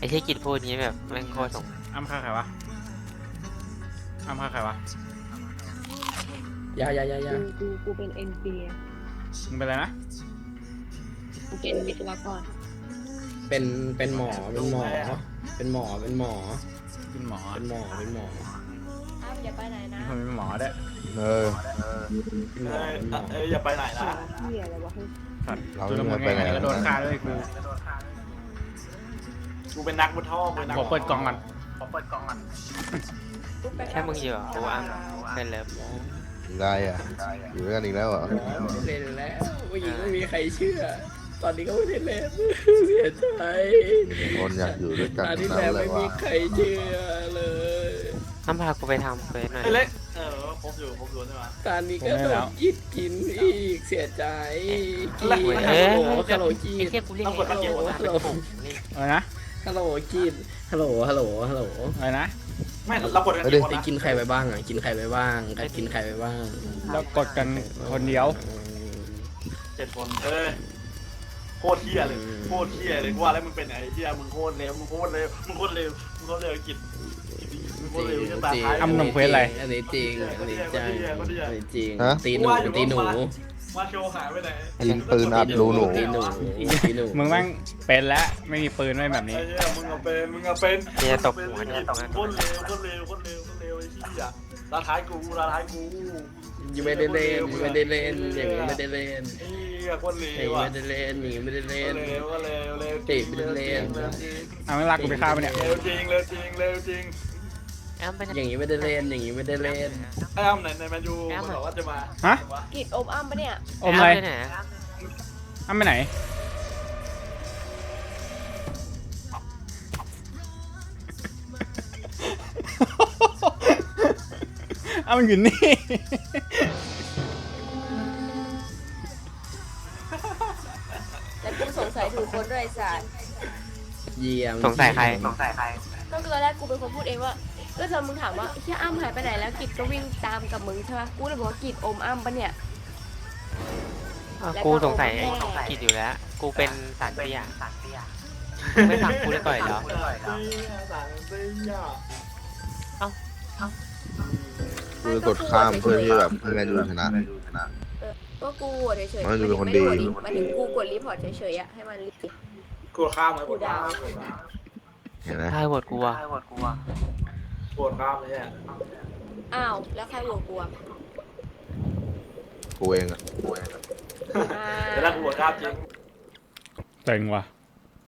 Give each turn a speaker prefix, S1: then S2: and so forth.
S1: ไอ้ที่กิจพูดนี้แบบแม่งโคตรสง
S2: อ้ำฆ่าใครวะอ้ำฆ่าใครวะ
S3: อย่า
S4: กูเป็นเอ็นพี
S2: มึงเป็นอะไรนะ
S4: กูเป็นวิศวกร
S3: เป็นหมอเป็นหมอเป็นหมอเป็นหมอ
S2: เป็นหมอ
S3: เป็นหมอเป็นหมอ
S4: อ้าวอย่าไปไหนนะ
S2: มีคนเป็นหมอด้วย
S3: เป็นหมอเป็นหมอ
S5: อย่าไปไหนนะ
S4: เหี้ยอะไรวะเฮ้ย
S2: สัตว์
S6: เรา
S2: จุล
S6: ไม่
S2: มุน
S6: ไปไหน
S2: ไงก็โดนฆ่าด้วยกู
S5: กูเป็นนักมุดท่อกูเป็นนัก
S2: ขอเปิดกล่องก่อน
S4: กูไป
S1: แค่มึงอยู่อ่ะกูอ้ำเป็นเลิฟ
S6: ได้อะอยู่ด้วยกันอีกแล้วเหรอ
S3: เล่นแล้วผู้หญิงไม่มีใครเชื่อ ตอนนี้ก็ไม่ได้เล่นเสียใจ
S6: มีคนอยากอยู่ด้วยกัน
S3: ตอนที่
S6: ทั้ง
S3: แล้ว
S6: นั้นเล
S3: ไม่
S6: ย
S3: มี
S6: ว่ะ
S3: ใครเชื่อเลย
S1: อ้ำพากูไปทำเควสหน่อย
S5: ไอ้เล็กครบอยู่ใช่ไหม
S3: ตอนนี้ก็โดนยิดกินอีกเสียใจกีฮัลโหลฮัลโหลกี
S1: ไอ้เทียกูเรียกไอ้เทียกูมาเป็นกลุ่มนี่
S2: อะไรนะ
S3: ฮัลโหลกีฮัลโหลฮัลโหลฮัลโหล
S2: อะไรนะ
S5: ไม่เรากดกันกี่คน
S3: ไป
S5: นะ
S3: กินใครไปบ้างอ่ะกินใครไปบ้างใครกินใครไปบ้าง
S2: เรากดกันคนเดียว
S5: 7 คนโคตรเที่ยเลยโคตรเที่ยเลยกูว่าแล้วมึงเป็นไอ้เที่ยมึงโคตรเลวมึงโคตรเลวมึงโคตรเลวมึงโคตรเลวกินมึงโคตรเลวจะตาท้าย
S3: อันนี้จริงอันนี้จังอันนี้จริงตีหนูตีหนู
S5: มาโชว์หายไปไหน
S6: ยิงปืนอัดรูหนู
S3: ตีหนูตีหนู
S2: มึงแม่งเป็นแล้วไม่มีปืนไม่แบบนี้
S5: ไอ้เที่ยมึงเอาเป็น
S1: เทียตบหัวเนี่ยตบ
S5: โคตรเลวไอ้เที่ยตาท้ายกู
S3: ยังไม่ได้เล่นไม่ได้เล่นอย่างนี้ไม่ได้เล่น
S5: ไอ้เที่ยโคตรเล
S3: อย่าง
S5: ว
S3: นี้
S5: อ่ะ
S3: ไม่ได้เล่นอย่างนี้ไม่ได้เล่น
S5: เลวก็เลวเลว
S2: เอาไม่รักกูไปฆ่าไปะเนี่ย
S5: เลวจริง
S1: อ้ำเป็น
S3: อย่างนี้ไม่ได้เล่นอย่างนี้ไม่ได้เล่น
S5: ไอ้อ้ำไหนแมนยูมันบอกว่าจะมา
S2: ฮะ
S4: กิจอมอ้ำปะเนี่ย
S2: อมอะไร
S1: ไปไหน
S2: อ้ำไปไหนอ้ำมันอยู่นี่
S4: แล้วกูสงสัยถูกคนด้วยไอ้สัส
S3: เยี่ยม
S1: สงสัยใคร
S4: ก็คือตอนแรกกูเป็นคนพูดเองว่าก็ตอนมึงถามว่าเฮียอ้ำหายไปไหนแล้วกิจก็วิ่งตามกับมึงใช่ปะกูเลยบอกว่ากิจอมอ้ำปะเนี่ย
S1: กูสงสัยไอ้กิจอยู่แล้ว กูเป็นสารเตี้ยไม่ฟังกูเลยต่อยเหรอ
S6: กูจะกดข้ามเพื่อที่แบบให้แมนยูชนะ
S4: ก็กูโหวตเฉยๆ
S6: มันดูเป็นคนดี
S4: หมายถึงกูกดรีพอร์ตเฉยๆอะให้มันรีบ
S5: กูข้ามไหม
S4: กูดาว
S6: เห็นไหม
S1: ใช่โหวตกูอ่ะ
S5: ปวดข้ามเลยเนี่ย
S4: อ้าวแล้วใครโหวตกูอะ
S6: กูเองอะ
S4: อ่า
S5: แต่ถ้ากูปวดข้ามจริง
S2: เจ๋งว่ะ